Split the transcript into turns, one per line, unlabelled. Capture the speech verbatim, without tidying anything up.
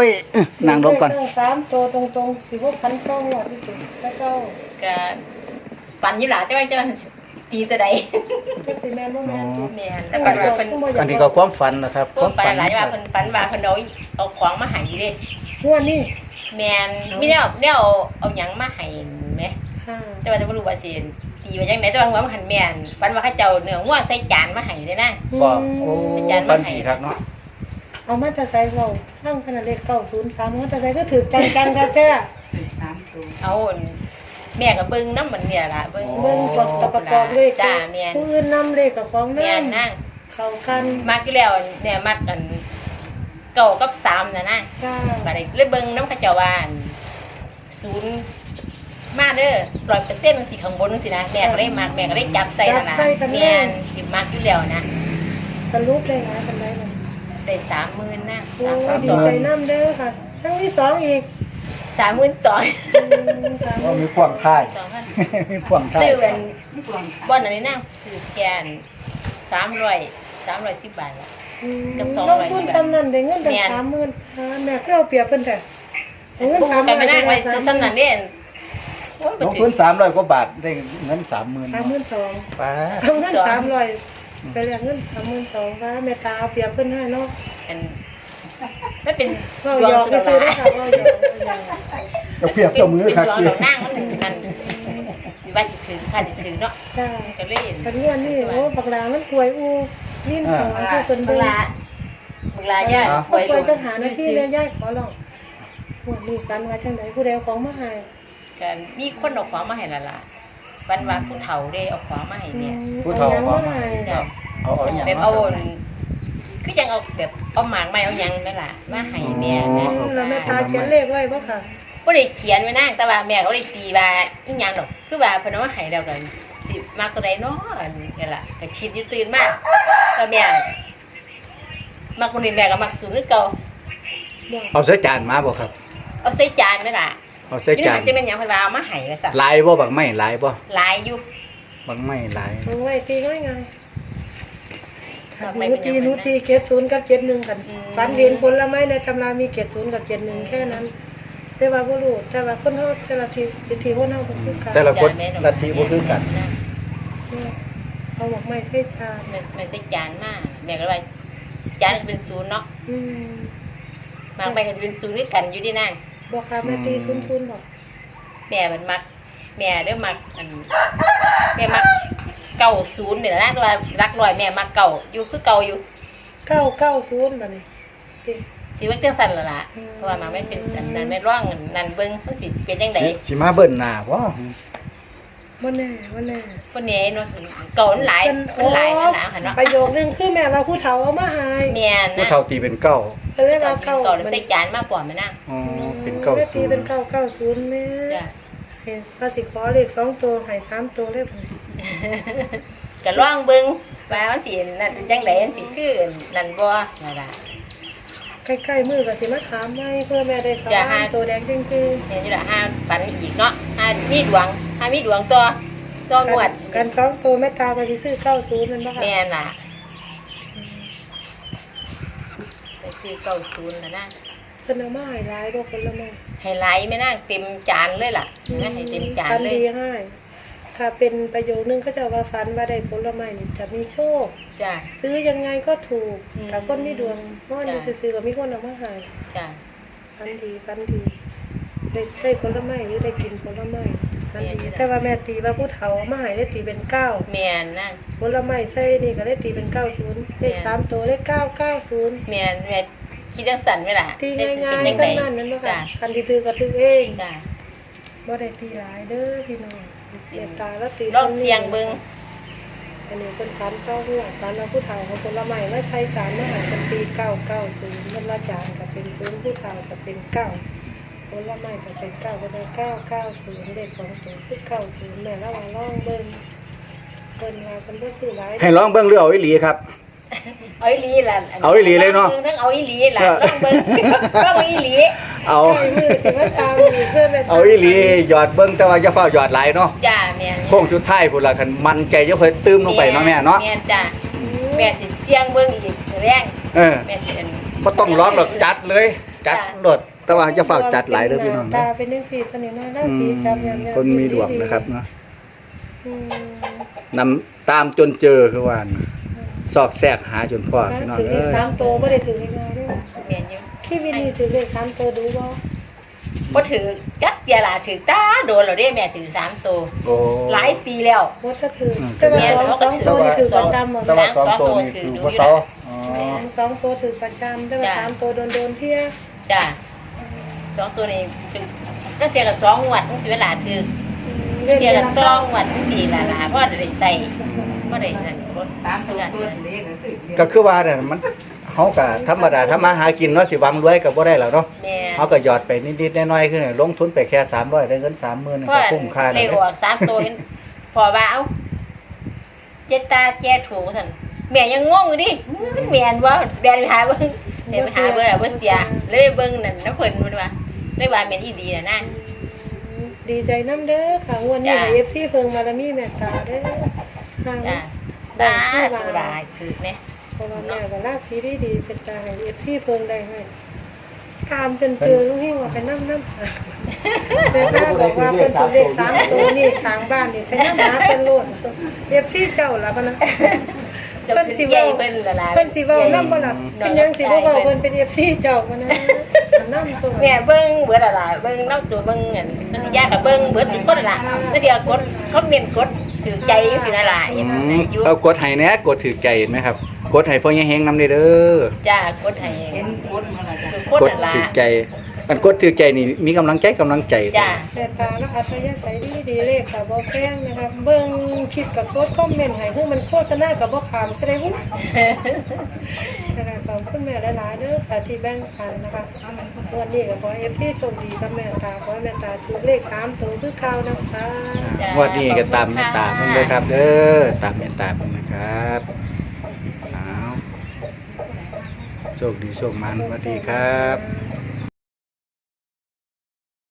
ยนั่งลงก่อน
สามตัวตรงๆสิบหกพันต้องหมดที่สุดแล้วก็
ก็ปั่นอยู่หล่ะจะว่าจะตีตัวใด
ก็สิแม่นบ่แม่น
แม่นแต่ก่อนว่าเพิ่น
อันนี้ก็ความฝันนะครับ
ความฝันหลายว่าเพิ่นฝันว่าเพิ่นเอาเอาของมาให้เด้
งวดนี้
แม่นมีแนวแนวเอาหยังมาให้แม่
ค่ะ
แต่ว่าจะบ่รู้ว่าสิตีว่าจังได๋แต่ว่าหัวมันหันแม่นฝันว่าเขาเจ้าเนื้องัวใส่จานมาให้เด้นาง
บอกโอ้ฝันดีครับเนาะ
เอามาแต่ใส่เราสร้างขนาดเลขเก้าศูนย์สามมาแต่ใส่ก็ถือจังๆครับแท้
สามตัว
เอาแม่ก็เบิ่งนำมันเนี่ยล่ะเบิ่ง
เบิ่งประกอบเลข
จ้าแม่น
ผู้อื่นนำเลขกับของ
แม่น
นำ
นาง
เข้ากัน
มักอยู่แล้วเนี่ยมักกันเก้ากับสามน่ะนาง
จ้า
บัดนี้เลยเบิ่งนำเขาเจ้าว่าศูนย์มาเด้อ ร้อยเปอร์เซ็นต์ มันสิข้างบนจังซี่นะแม่ก็เลยมักแม่ก็เลยจับใส่นั่นน่ะแม่นสิมักอยู่แล้วนะ
สรุปได้หลายปานใดล่ะ
ได้สามหมื่นนะ
โอ้ดีใจนำเด้อค่ะครั้งที่สองอีก
สามหมื่นสอง
ก็มีความท่ายมีความท่าย
ซื้อเป็นบ่อนอันนี้นะซื้อแกนสามร้อย สามร้อยสิบบาทละ กับสอง
ล
ร้
ง
อย
ทุนซ้ำนั้นได้เงินตั้ง
แม่น
สามหมื่นอ่าแม่ก็เอาเปรียบเพิ่นแท้เอาเงิน
ผู้
สามห
ก็
มื่น
ไม่น่าไปซื้อสำนันเด่นโอ้ย
ล
บ่
ง
ถึ
ทุ
ง
นสามร้อยกว่าบาทได้เงินสามหมื่น
สามหมื่นสอง
ป้า
เอาเงินสามร้อยไปเรียกเงินสามหมื่นสองว่าแม่ตาเอาเปรียบเพิ่นให้เนาะ
อันไม่เป็น
เรา
ดว
หย
ง
อก
สุ
ไป
ด
ซื้อได้
ละ
ค่ะเราหยอกเราหยอก
จะเปรียบเจ้ามือ
เป็น
ครับ
ดวงดอกนางมันหนึ่งกันสิว่าสิถึงค่ะสิถึงเนาะ
จ้า
จะเล่น
กันงวดนี้โอ้บักหลามันถวยอูลิ้นของมันผู้เพิ่น
เว
เบิ่ง
ลาเวลาย่า
เขาปล่อยจังหาหน้าที่เลยยายขอร้องงวดนี้ฝันว่าจังไดผู้ใดเอาของมาให้
กันมีคนเอาของมาให้ละล่ะวันว่าผู้เฒ่าได้เอาของมาให้เนี่ย
ผู้เฒ่า
อหยัง
ขอ
มา
มา
ให้
จ้ะ
เอาเอาอย่าง
แบบ
มา
เอาคือยังเอาแบบเอาหมากไม้เอาหยังแม่ล่ะมาให้แม่แม่
แล้วแม่ตาเขียนเลขไว้บ่ค่ะ
บ่ได้เขียนไว้นางแต่ว่าแม่ก็ได้ตีว่าอีหยังดอกคือว่าเพิ่นเอามาให้แล้วกันสิมักตัวใดเนาะอันนี่ล่ะก็คิดอยู่ตื่นมาแล้วแม่มักคนนี้แม่ก็มักสูงคือเก่า
บ่
เอาใส่จานมาบ่ครับ
เอาใส่จานแม่ล่ะ
เอาใส่จาน
จะเป็นหยังเพิ่นว่าเอามาให้ว่าซั่น
ลายบ่บักไม้ลายบ่
หลายอยู่
บักไม้ลาย
เอาไว้ตีง่ายๆ
บั
ค่ะ
กไม้
หนู
เป็นหยัง
ตีหนูตีเกรดศูนย์กับเกรดหนึ่งกัน
อืม
ฝันเห็นผลไม้ในตำรามีเกรดศูนย์กับเกรดหนึ่งแค่นั้น แต่ว่าบ่รู้แต่ว่าคนเฮาแต่ละทีทีทีคนเฮาบ่คือกัน
แต่ละคนลัทธิบ่คือกัน
เอาหมกไม้ใส่จาน
ไม่ไม่ใช่จานมากแม่ก็เลยว่าจานก็เป็นศูนย์เนาะ
อืม
หมากไปก็จะเป็นศูนย์ด้วยกันอยู่ดีนั่ง
บ่ค่ะแม่ตีศูนย์ศูนย์บ่
แม่มันมัก แม่เด้อมักอันแม่มักเก่าศูนย์นี่แหละนะแต่ว่ารักร้อยแม่มักเก่าอยู่คือเก่าอยู่
เก้าเก้าศูนย์บัดนี้ติ
สิว่าจังซั่นล่ะล่ะ
อืม
เพราะว่ามันไม่เป็นอันนั้นไม่ร่องอันนั่นเบิ่งมันสิเป็นจังได๋
สิสิมาเบิ่นหน้าบ่
บ่แน่บ่แน่
คนนี้เนาะเก่ามันหลายมันหลายนั่นล่ะหั่นเนาะ
ประโยคนึงคือแม่ว่าผู้เฒ่าเอามาให้
แม่น
ผู้
นะ
เฒ่าตีเป็นเก้า
ก็เลยว่า
เก่า
เก้า
แล้วใส่จานมาปอมแม่นาง
อ๋อเป็นเก้า
แม่
ศู
ตี
น
เป็น
ย์
เก้าเก้าศูนย์แม่
จ้ะ
เห็นว่าสิขอเลขสองตัวให้สามตัวเลยบัดนี้
ก็ลองเบิ่งว่ามันสินั่นเป็นจังได๋มันสิคือนั่นบ่นั่นล่ะ
ใกล้ๆมือก็สิมาถามใหม่เพื่อแม่ได้ส
จะ
วา
หา
นตัวแดงจริง
เห็นอยู่ละห้าปันอีกเนาะห้ามีดวงห้ามีดวงตัวตัว
ๆ
งวด
กันสองตัวแม่ตาก็สิซื้อเก้าศูนย์มันบ่ค่ะ
แม่น่ะไปซื้อเก้าศูนย์นะนะ
เพิ่นเอามาให้หลายบ่คนละแม่
ให้ไหลไม่น่าเต็มจานเลยล่ะเห็นไหมให้เต็มจาน
ฝัน
เลย
ดีให้ถ้าเป็นประโยคนึงเขาจะว่าฝันว่าได้ผลไม้นี่จะมีโชค
จ้ะ
ซื้อยังไงก็ถูก
อืม
ถ้าคนมีดวงเพราะอันนี้
จ้ะ
ซื้อๆก็มีคนเอามาให้
จ้ะ
ฝันดีฝันดีได้ได้ผลไม้หรือได้กินผลไม้ฝันดี
แม่น
แต่ว่าแม่ตีว่าผู้เฒ่าเอามาให้ได้ตีเป็นเก้า
แม่นนะ
ผลไม้ใส่นี่ก็ได้ตีเป็นเก้าศูนย์เลขสามตัวเลขเก้าเก้าศูนย์
แม่นแม่คิดจังสั่นไหมล่ะ
ตี
ได้
ง่าย
เป็น
ๆ
จั
สั้
ง
น
ได
นั่นนั่นบ่
จ้ะ
ค่ะคันที่ถือก็ถือเอง
จ้ะ
บ่ได้ตีหลายเด้อพี่น้องเสียตาแล้วตี
ลองเสียงเบิ่ง
อันนี้เป็นฝันเก้าหัวฝันว่าผู้เฒ่าของผลไม้ไม่ใส่จานมาหาเป็นตีเก้าเก้าศูนย์มันละจานก็เป็นศูนย์ผู้เฒ่าก็เป็นเก้าผลไม้ก็เป็นเก้าก็ได้เก้าเก้าศูนย์เลขสองตัวคือเก้าศูนย์แม่ละว่าลองเบิ่งเพิ่นว่าเพิ่นบ่ซื้อหลาย
ให้ร้องเบิ่งหรือเอาอีหลีครับ
เอาอีหลีล่ะ
เอาอีหลีเลยเนาะ
ทั้งเอาอีหลีล่ะลองเบิ่งลองอีหลี
เอา
ใกล้มือสิมาตามอีกเพื่อแม่
เอาอีหลีหยอดเบิ่งแต่ว่าอย่าเฝ้าหยอดหลายเนาะ
จ้ะแม่น
โค้งสุดท้ายพุ่นล่ะคันมันใจจะค่อยตื้มลงไปเนาะแม่เนาะ
แม่นจ้ะแม่สิเสียงเบิ่งอีกแรง
เออ
แม่สิอัน
บ่ต้องร้องหรอกจัดเลยจัดโดดแต่ว่าจะฝากจัดหลายเด้อพี่น้อง
ตา
นะ
เป็นจังซี่ตัวนี้นะรา
อื
ศี
ม
จับยามๆ
คนมีดวงนะครับเนาะ
อืม
นำตามจนเจอคือว่านะซอกแซกหาจนพ่อพี่น้อง
ถือเล
เอ้
ข
ย
สามตัวบ่ได้ถือง่ายๆเด้อ
แม่นอยู่
ชีวิตนี้ถือเลขสามตัวดูบ่
บ่ถือจักเดียล่ะถือตาโดนแล้วเด้แม่ถือสามตัว
โอ้
หลายปีแล้ว
บ่ถ้าถือ
อืม
แต่ว่า
แม่น
สอง
เขา
ส
ก็
อง
ถือ
ตัวนี่ถือประจำหมด
แต่ว่าสองตัวนี่คือบ่เซาอ๋อ
แม่นสองตัวถือประจำแต่ว่า
จ้ะ
สามตัวโดนๆเที่ย
จ้ะสองตัวนี้ถึงตั้งแต่กับสองงวดจังสิเวลาถือ
เรียน
เทีย
เรีย
กัน น
ต้
ต้
อ
อง งวัดจังซี่ล่ะล่ะเพราะได้ใส่บ่ได้นั่นรถ
สามตัว
กัน
ตัวเล็กนั่นสิ
ก็คือว่าเนี่ยมันเฮาก็ธรรมดาทำมาหากินเนาะสิหวังรวยก็บ่ได้แล้วเนาะ
แม่
เฮาก็หยอดไปนิดๆน้อยๆคือลงทุนไปแค่สามร้อยได้เงินสามหมื่น
เพ
ก็
ราะ
คุ้มค่า
เล
แล้ว
ข
เด้
ออกสามตัวเห็นพอว่าเอ้าเจ็ดตาแก้ถูกซั่นแม่ยังงงอยู่ดิมันแม่นบ่แบนไปหาเบิ่งเห็นไปหาเบิ่งแล้วบ่เสียเลยเบิ่งนั่นน้ำเพิ่นมันว่าเลยว่าแม่นอีดีน่ะนะ
ดีใจน้ำเด้อค่ะงวดนี้
จ้ะ
ให้ เอฟ ซี เพิ่งมาละมีแม่ตาเด้อห่าง
จ้ะ
ได้
ตา
ที่
ตัว
ว่า
ลายถือเนี่ย
เพราะว่าแม่ก็ราศีดีๆเป็นตาให้ เอฟ ซี เพิ่งได้ให้ตามจนเจอลุงเฮงว่าไปนำนำแม่ก็บอกว่าเพิ่นถูกเลขสามตัวนี่ข้างบ้านนี่ไปนำหาเพิ่นโลด เอฟ ซี เจ้าล่ะพะนะ
เพิ่นสิเว้าเพิ่นละล่ะ
เพิ่นสิเว้านำบ่ล่ะเป็นหยังสิบ่เว้าเพิ่นเป็น เอฟ ซี เจ้าพะนะนำตัว
เนี่ยเบิ้งเบิดอะไรเบิ้งน้ำตัวเบิ้งเงินนันยากกับเบิ้งเบิดทุกคนละแล้วเดี๋ยวกดคอมเมนต์กดถือใจสินะล่ะ
อื
ยัง
ม
อยู่
เอากดให้แหน่กดถือใจเห็นไหมครับ กดให้พ่อยังเฮงนำได้เด้อ
จ้ากดให้
เห็นโคตรมาและจ้ะ
ทุกคน
กด
ละ
ถือใจอันกดถือใจนี่มีกำลังใจกำลังใจ
จ้า
แต่ตาและอัธยาศัยดีดีๆเลขกับบ่แพงนะครับเบิ่งคลิปกับกดคอมเมนต์ให้คือมันโฆษณากับบ่ขามแสดงว่านะคะขอบคุณแม่หลายๆเด้อค่ะที่แบ่งปันนะคะวันนี้ก็ขอให้ เอฟ ซี โชคดีกับแม่ตาขอให้แม่ตาถูกเลขสามตัวคือเก่านะคะ
งวันนี้ก็ตามเมตตาเพิ่นเลยครับ เด้อตามเมตตาเพิ่นนะครับเอาโชคดีโชคมันสวัสดีครับ